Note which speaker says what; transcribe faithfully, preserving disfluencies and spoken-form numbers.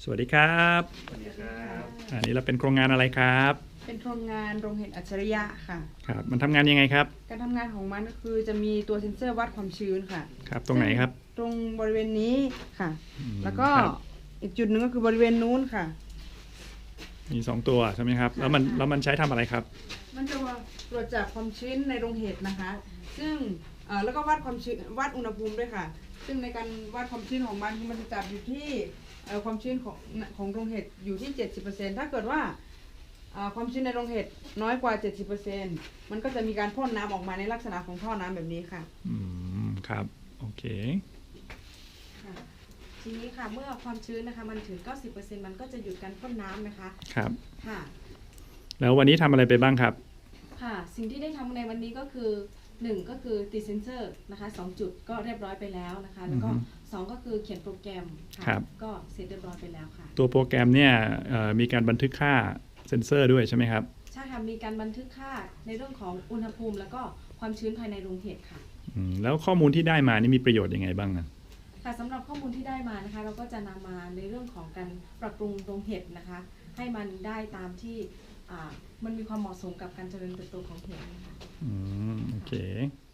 Speaker 1: สวัสดีครับ
Speaker 2: สวัสดีครับ
Speaker 1: อันนี้เราเป็นโครงงานอะไรครับ
Speaker 3: เป็นโครงงานโรงเห็ดอัจฉริยะค่ะ
Speaker 1: ครับมันทำงานยังไงครับ
Speaker 3: การทำงานของมันก็คือจะมีตัวเซ็นเซอร์วัดความชื้นค่ะ
Speaker 1: ครับตรงไหนครับ
Speaker 3: ตรงบริเวณนี้ค่ะ
Speaker 1: อืม
Speaker 3: แล้วก็
Speaker 1: ครับ
Speaker 3: อีกจุดหนึ่งก็คือบริเวณนู้นค่ะ
Speaker 1: มีสองตัวใช่ไหมครับ
Speaker 3: ค่ะ
Speaker 1: แล้วมัน
Speaker 3: ค่ะ
Speaker 1: แล้วมันใช้ทำอะไรครับ
Speaker 3: มันจะตรวจจับความชื้นในโรงเห็ดนะคะ ซึ่งเอ่อแล้วก็วัดความชื้นวัดอุณหภูมิด้วยค่ะ ซึ่งในการวัดความชื้นของมันคือมันจะจับอยู่ที่เอ่อความชื้นของของโรงเห็ดอยู่ที่ เจ็ดสิบเปอร์เซ็นต์ ถ้าเกิดว่าเอ่อความชื้นในโรงเห็ดน้อยกว่า เจ็ดสิบเปอร์เซ็นต์ มันก็จะมีการพ่นน้ำออกมาในลักษณะของท่อน้ำแบบนี้ค่ะ
Speaker 1: อืมครับโอเค
Speaker 4: ค่ะทีนี้ค่ะเมื่อความชื้นนะคะมันถึง เก้าสิบเปอร์เซ็นต์ มันก็จะหยุดการพ่นน้ำนะคะ
Speaker 1: ครับ
Speaker 4: ค่ะ
Speaker 1: แล้ววันนี้ทำอะไรไปบ้างครับ
Speaker 4: ค่ะ สิ่งที่ได้ทำในวันนี้ก็คือหนึ่งก็คือติดเซนเซอร์นะคะสองจุดก็เรียบร้อยไปแล้วนะคะ แล้วก็
Speaker 1: อือฮึ
Speaker 4: สองก็คือเขียนโปรแกรมค่ะ
Speaker 1: ครับ
Speaker 4: ก็เสร็จเรียบร้อยไปแล้วค่ะ
Speaker 1: ตัวโปรแกรมเนี่ยเอ่อมีการบันทึกค่าเซ็นเซอร์ด้วยใช่ไหมครับ
Speaker 4: ใช่ค่ะมีการบันทึกค่าในเรื่องของอุณหภูมิ แล้วก็ความชื้นภายในโรงเห็ดค่ะ
Speaker 1: อืมแล้วข้อมูลที่ได้มานี่มีประโยชน์ยังไงบ้างนะ
Speaker 4: ค่ะสำหรับข้อมูลที่ได้มานะคะ เราก็จะนำมาในเรื่องของการปรับปรุงโรงเห็ดนะคะ ให้มันได้ตามที่อ่ามันมีความเหมาะสมกับการเจริญเติบโตของเห็ดนะคะ
Speaker 1: อืมโอเค